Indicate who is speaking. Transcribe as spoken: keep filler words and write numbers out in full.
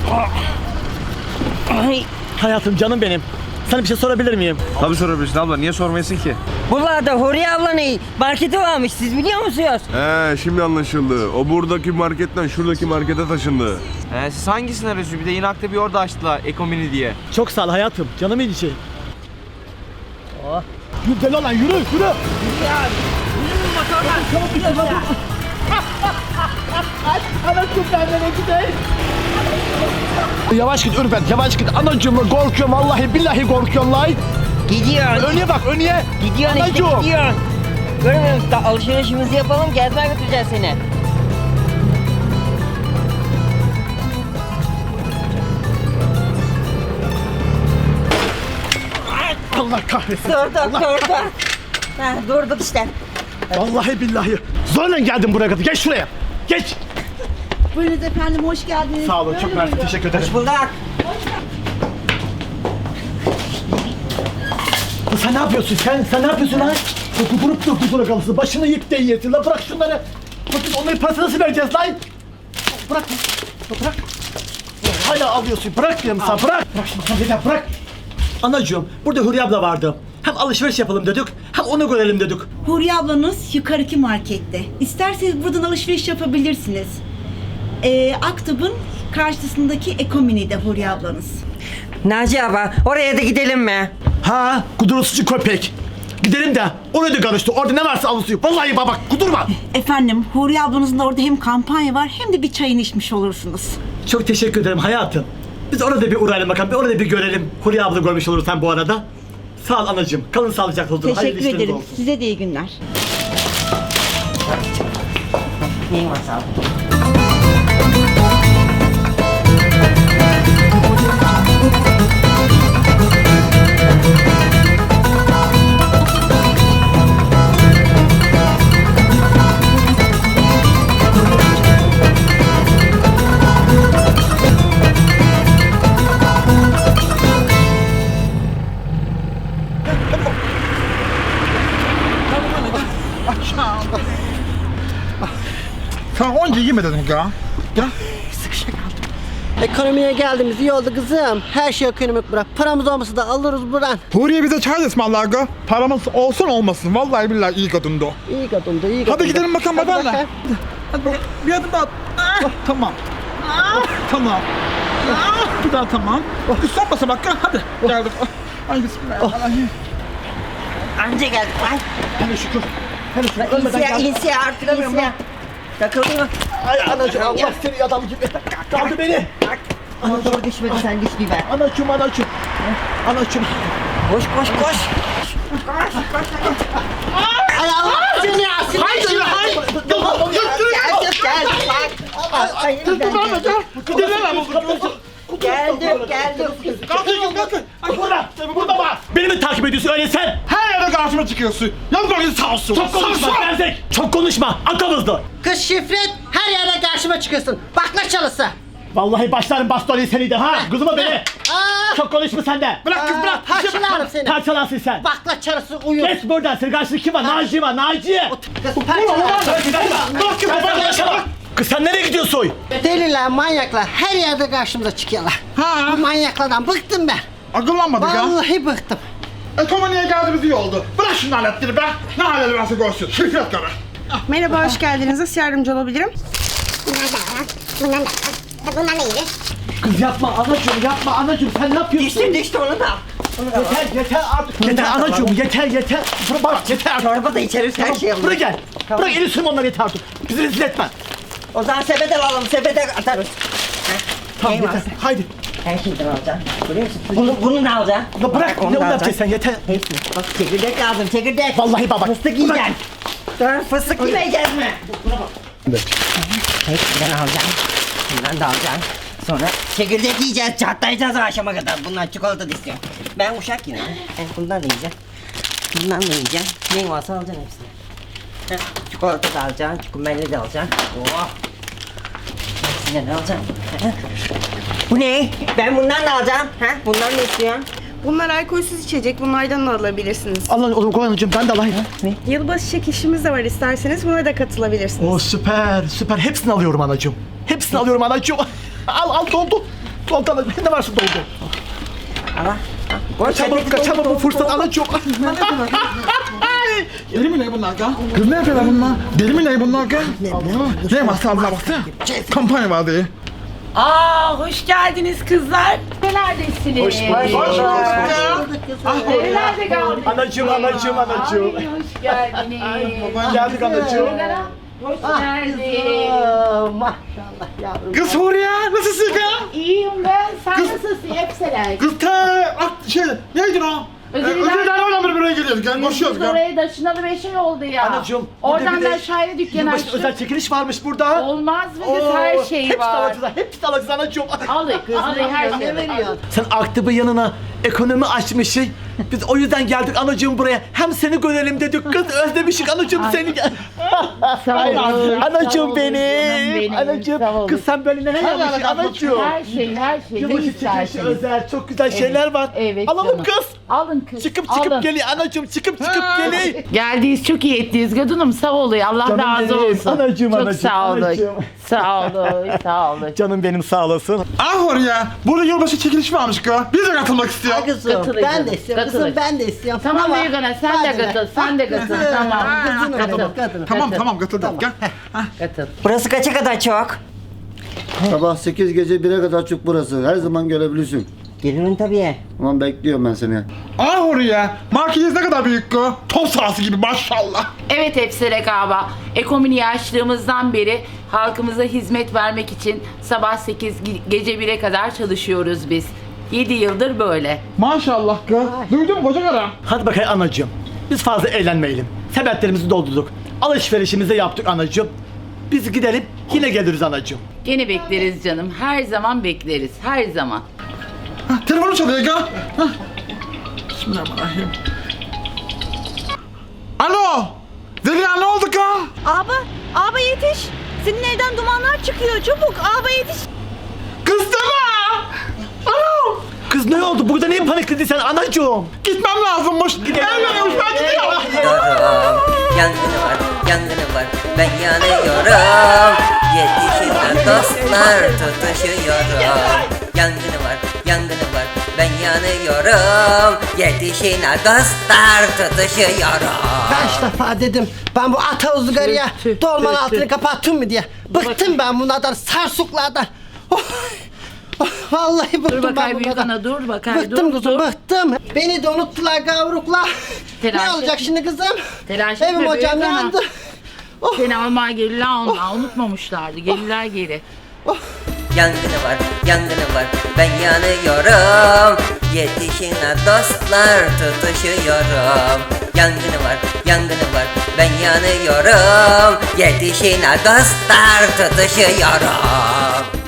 Speaker 1: Ay.
Speaker 2: Hayatım, canım benim. Sana bir şey sorabilir miyim?
Speaker 3: Tabii sorabilirsin abla, niye sormayasın ki?
Speaker 1: Buralarda Huriye ablanın marketi varmış, siz biliyor musunuz?
Speaker 4: He, şimdi anlaşıldı. O buradaki marketten şuradaki markete taşındı.
Speaker 3: Ee, siz hangisini arıyorsunuz? Bir de Inak'ta bir orada açtılar, Ekomini diye.
Speaker 2: Çok sağ ol hayatım. Canım içi. Oh. Yürü lan, yürü, yürü. Anacığım benden gideyim. Yavaş git Ürpet, yavaş git. Anacığım korkuyorum, vallahi billahi korkuyorum lan.
Speaker 1: Gidiyorsun.
Speaker 2: Önüne bak, önüne.
Speaker 1: Gidiyorsun işte,
Speaker 2: Anacığım.
Speaker 1: gidiyorsun. Görmüyor musun? Da alışverişimizi yapalım, gezmeye götüreceğiz seni.
Speaker 2: Allah kahretsin.
Speaker 1: Durduk, durduk. Ha, durduk işte.
Speaker 2: Vallahi billahi. Zorla geldim buraya kadar. Geç şuraya. Geç.
Speaker 5: Buyurunuz efendim, hoş geldiniz.
Speaker 2: Sağ olun, çok mersi. Teşekkür ederim.
Speaker 1: Hoş bulduk.
Speaker 2: Sen ne yapıyorsun sen? Sen ne yapıyorsun lan? Kudurup dur kudura kalırsın. Başını yık de yiyesin. La bırak şunları. Bakın onların parasını nasıl vereceğiz lan? Bırak. La bırak. Hala alıyorsun. Bırak diyorum sana. Bırak. Bırak şimdi sen yeter. Bırak. Anacığım, burada Hürriye abla vardı. Hem alışveriş yapalım dedik, hem onu görelim dedik.
Speaker 5: Huriye ablanız yukarıki markette. İsterseniz buradan alışveriş yapabilirsiniz. Ee, Aktub'un karşısındaki Ekomini'de Huriye ablanız.
Speaker 1: Naci abla, oraya da gidelim mi?
Speaker 2: Ha, kudurusuzcu köpek. Gidelim de oraya da karıştı. Orada ne varsa alışıyor. Vallahi baba, kudurma.
Speaker 5: Efendim, Huriye ablanızın da orada hem kampanya var hem de bir çayını içmiş olursunuz.
Speaker 2: Çok teşekkür ederim hayatım. Biz orada bir uğrayalım bakalım. Bir orada bir görelim. Huriye abla görmüş oluruz sen bu arada. Sağ ol anacığım. Kalın sağlıcakla olun. Hayırlı
Speaker 5: Teşekkür
Speaker 2: işleriniz
Speaker 5: ederim.
Speaker 2: olsun.
Speaker 5: Size de iyi günler.
Speaker 1: Neyin var sağ ol.
Speaker 6: Sen onca yemedin ya. Ya.
Speaker 7: Ekonomiye geldiğimiz iyi oldu kızım. Her şey ekonomik bırak. Paramız olmasa da alırız buradan.
Speaker 6: Huriye bize çay ısmarlar ga. Paramız olsun olmasın. Vallahi billahi iyi kadındı o.
Speaker 7: İyi kadındı, iyi kadındı.
Speaker 6: Hadi gidelim bakalım
Speaker 7: Hadi
Speaker 6: babanla.
Speaker 7: bakalım.
Speaker 6: Hadi bak, bir adım daha. Ah, tamam. Ah, tamam. Ah, bir daha tamam. Kız son basamak ga. Hadi. Geldik. Ah, ay bismillahirrahmanirrahim.
Speaker 1: Anca geldik lan.
Speaker 2: Hele şükür. Hele şükür. Ölmeden
Speaker 1: İnsiye,
Speaker 2: geldim.
Speaker 1: insiye artık insiye. Takıldı mı?
Speaker 2: Ay anacığım, Allah seni adam gibi. Kaldı beni.
Speaker 1: Ana doğru düşmedi, sen düş bir be.
Speaker 2: Anacığım, anacığım. Anacığım.
Speaker 1: Koş, koş, koş.
Speaker 7: Ay Allah seni asıl.
Speaker 2: Hayır, hayır.
Speaker 1: Geldik, geldik bak. Ay, geldik, geldik.
Speaker 6: Kalkın kalkın.
Speaker 2: Ay burada, burada bak. Beni mi takip ediyorsun öyle sen?
Speaker 6: Her yerde karşıma çıkıyorsun. Yalnız böyle sağ olsun.
Speaker 2: Çok konuşma Berzek. Çok konuşma. Akamızdı.
Speaker 7: Kız şifret, her yerde karşıma çıkıyorsun. Bakla çalısı.
Speaker 2: Vallahi başlarım bastonu seni de ha. Kızıma beni.
Speaker 7: Aa,
Speaker 2: Çok konuşma sen de.
Speaker 6: Bırak kız bırak.
Speaker 7: parçalarım seni.
Speaker 2: Parçalansın sen.
Speaker 7: Bakla çalısı uyur.
Speaker 2: Geç buradan. Senin karşında kim var? Naci var. Naci.
Speaker 7: Kız parçalarım.
Speaker 2: Bırak kızı bana. Kız sen nereye gidiyorsun?
Speaker 7: Deliler, manyaklar her yerde karşımıza çıkıyorlar.
Speaker 6: Ha.
Speaker 7: Bu manyaklardan bıktım ben.
Speaker 6: Akıllanmadık ya.
Speaker 7: Vallahi bıktım.
Speaker 6: Ekonomiye geldiğimiz iyi oldu. Bırak şunu aletleri be. Ne halleri varsa görsün. Şirket karı.
Speaker 8: Merhaba, hoş geldiniz. Nasıl yardımcı olabilirim?
Speaker 9: Bundan da var. Bundan da iyidir.
Speaker 2: Kız yapma anacığım, yapma anacığım. Sen ne yapıyorsun?
Speaker 1: Düştü, düştü onu da.
Speaker 2: Yeter, yeter artık. Yeter anacığım, yeter, yeter. Bırak, bak, yeter artık.
Speaker 1: Çorba da içeriz, her şey alırız.
Speaker 2: Buraya gel. Bırak eli sürme onları yeter artık. Bizi rezil etme.
Speaker 1: O zaman sepete alalım, sepete atarız.
Speaker 2: Tamam
Speaker 1: Ney
Speaker 2: yeter.
Speaker 1: varsa.
Speaker 2: Haydi.
Speaker 1: Her şeyden alacaksın. Görüyor musun? Bunu, bunu da alacaksın.
Speaker 2: Ya bırak,
Speaker 1: Bak, onu
Speaker 2: ne
Speaker 1: da
Speaker 2: onu
Speaker 1: alacaksın.
Speaker 2: yapacaksın sen yeter.
Speaker 1: Hepsini. Bak çekirdek lazım, çekirdek.
Speaker 2: Vallahi baba.
Speaker 1: Fıstık yiyeceksin. Dur, fıstık yemeyeceğiz mi? Hepsinden alacaksın. Bundan da alacaksın. Sonra çekirdek yiyeceğiz, çatlayacağız akşama kadar. Bundan çikolata da istiyorum. Ben uşak yine. Ben bundan da yiyeceğim. Bundan da yiyeceğim. Neyin varsa alacaksın hepsini. Heh, çikolata da alacaksın, çikolata da alacaksın. Oh. Hepsinden alacaksın. Heh. Bu ne? Ben bundan da alacağım. Ha? Bundan ne istiyorsun?
Speaker 8: Bunlar alkolsüz içecek. Bunlardan da alabilirsiniz.
Speaker 2: Allah oğlum koy anacığım, ben de alayım.
Speaker 8: Yılbaşı çekişimiz de var. İsterseniz buna da katılabilirsiniz.
Speaker 2: Oo süper, süper. Hepsini alıyorum anacığım. Hepsini alıyorum anacığım. Al, al doldu. Doldu anacığım. Ne varsa doldu.
Speaker 1: Allah.
Speaker 2: Kaçamam, kaçamam bu fırsat anacığım.
Speaker 6: Deli mi ne bunlar ya? Kız ne yapıyorlar bunlar? Deli mi ne bunlar ya? Ne var sağlığa baksana. Kampanya var diye.
Speaker 10: Aa, hoş geldiniz kızlar. Neredesiniz?
Speaker 2: Hoş bulduk. Hoş bulduk.
Speaker 10: Nerelerde kaldınız?
Speaker 2: Anacığım, anacığım, anacığım.
Speaker 10: Ay, hoş geldiniz.
Speaker 2: Geldik anacığım.
Speaker 10: Hoş geldiniz.
Speaker 7: Maşallah yavrum.
Speaker 6: Kız Huriye nasılsın ya?
Speaker 10: İyiyim ben. Sen nasılsın? Hepseler.
Speaker 6: Kız te... At şey neydi o?
Speaker 10: Özür
Speaker 6: Özür
Speaker 10: dilerim.
Speaker 6: dilerim oradan bir buraya geliyoruz. Gel koşuyoruz
Speaker 10: Biz
Speaker 6: gel.
Speaker 10: oraya taşınalı beş ay oldu ya.
Speaker 2: Anacığım, burada
Speaker 10: Oradan
Speaker 2: bir de
Speaker 10: da şaire dükkanı
Speaker 2: Yılbaşı
Speaker 10: açtık.
Speaker 2: özel çekiliş varmış burada.
Speaker 10: Olmaz mı kız?
Speaker 2: Oo,
Speaker 10: Her şey
Speaker 2: hepsi
Speaker 10: var.
Speaker 2: alacağız, hepsi alacağız anacığım.
Speaker 10: Alın, alın her şey.
Speaker 7: veriyorsun?
Speaker 2: Sen aktibin yanına ekonomi açmışsın. Biz o yüzden geldik anacığım buraya. Hem seni görelim dedik. Kız özlemişik anacığım seni.
Speaker 10: Sağ olun.
Speaker 2: Anacığım
Speaker 10: Sağ olun,
Speaker 2: benim.
Speaker 10: canım benim. Sağ
Speaker 2: Anacığım.
Speaker 10: olun.
Speaker 2: Kız sen böyle neler yapmışsın anacığım.
Speaker 10: Her şey, her şey. Ne
Speaker 2: Yılbaşı çekilişi
Speaker 10: isterseniz.
Speaker 2: özel çok güzel şeyler var.
Speaker 10: Evet
Speaker 2: Alalım
Speaker 10: canım.
Speaker 2: kız.
Speaker 10: Alın kız.
Speaker 2: Çıkıp çıkıp
Speaker 10: alın.
Speaker 2: geliyor anacığım. Çıkıp çıkıp geliyor.
Speaker 10: Geldiğiniz çok iyi ettiniz Gadunum, sağ olun, Allah
Speaker 2: Canım
Speaker 10: razı
Speaker 2: benim,
Speaker 10: olsun.
Speaker 2: anacığım,
Speaker 10: çok
Speaker 2: anacığım,
Speaker 10: sağ olun.
Speaker 2: anacığım.
Speaker 10: Sağ olun, sağ olun.
Speaker 2: Canım benim sağ olasın.
Speaker 6: Ah Huriye. Burada yılbaşı çekilişi varmış kız. Biz de katılmak istiyoruz.
Speaker 7: Kızım
Speaker 10: Katılın
Speaker 7: ben
Speaker 10: canım,
Speaker 7: de istiyorum.
Speaker 10: katılın.
Speaker 7: Kızım ben de istiyorum.
Speaker 10: Tamam
Speaker 7: Ama-
Speaker 10: Beygana, sen de
Speaker 7: Hadi lan.
Speaker 10: katıl, sen de katıl, tamam.
Speaker 7: Kızım
Speaker 10: Katıl,
Speaker 7: benim, kadın.
Speaker 6: Tamam
Speaker 10: Katıl.
Speaker 6: tamam katıldım. Gel.
Speaker 10: katıl.
Speaker 1: Burası kaça kadar çok?
Speaker 11: Sabah sekiz gece bire kadar çık burası. Her zaman gelebilirsin.
Speaker 1: Gelirim tabii.
Speaker 11: Tamam bekliyorum ben seni.
Speaker 6: Ah Huriye. Marketiz ne kadar büyük kız. Top sahası gibi maşallah.
Speaker 10: Evet Efsere Gaba, Ekomini açtığımızdan beri halkımıza hizmet vermek için sabah sekiz ge- gece bire kadar çalışıyoruz biz. yedi yıldır böyle.
Speaker 6: Maşallah kız. Duydun mu koca karı?
Speaker 2: Hadi bakayım anacığım. Biz fazla eğlenmeyelim. Sepetlerimizi doldurduk. Alışverişimizi yaptık anacığım. Biz gidelim yine geliriz anacığım.
Speaker 10: Gene bekleriz canım, her zaman bekleriz, her zaman.
Speaker 6: Hah, telefonu çalıyor ya. Hah. Bismillahirrahmanirrahim. Alo. Zeliha ne oldu ka?
Speaker 5: Abi, abi yetiş. Senin evden dumanlar çıkıyor. Çabuk abi yetiş.
Speaker 6: Kız deme. Alo.
Speaker 2: Kız ne oldu? Burada neyin panikledin sen anacığım?
Speaker 6: Gitmem lazımmış. Evleniyormuş ben gidiyorum.
Speaker 1: Yanıyorum, yangını var, yangını var, ben yanıyorum. Yetişin dostlar, tutuşuyorum. Yangını var, yangını var, ben yanıyorum. Yetişin dostlar, tutuşuyorum.
Speaker 7: Kaç defa dedim ben bu ata uzgarıya dolmanın altını kapattım mı diye. Bıktım ben bunlardan, sarsuklardan. Oh, oh, vallahi bıktım
Speaker 10: Dur
Speaker 7: ben
Speaker 10: bakayım
Speaker 7: bunlardan.
Speaker 10: Büyükana, dur bakayım,
Speaker 7: Bıktım
Speaker 10: dur,
Speaker 7: kızım,
Speaker 10: dur.
Speaker 7: bıktım. Beni de unuttular gavruklar.
Speaker 10: Telaş
Speaker 7: Ne olacak
Speaker 10: etme.
Speaker 7: şimdi kızım?
Speaker 10: Telaş
Speaker 7: Evim
Speaker 10: etme
Speaker 7: hocam
Speaker 10: Büyükana.
Speaker 7: yandı. Oh.
Speaker 10: Seni almaya gelirler onlar, unutmamışlardı, gelirler geri.
Speaker 1: Yangını var, yangını var, ben yanıyorum. Yetişin dostlar, tutuşuyorum. Yangını var, yangını var, ben yanıyorum. Yetişin dostlar, tutuşuyorum.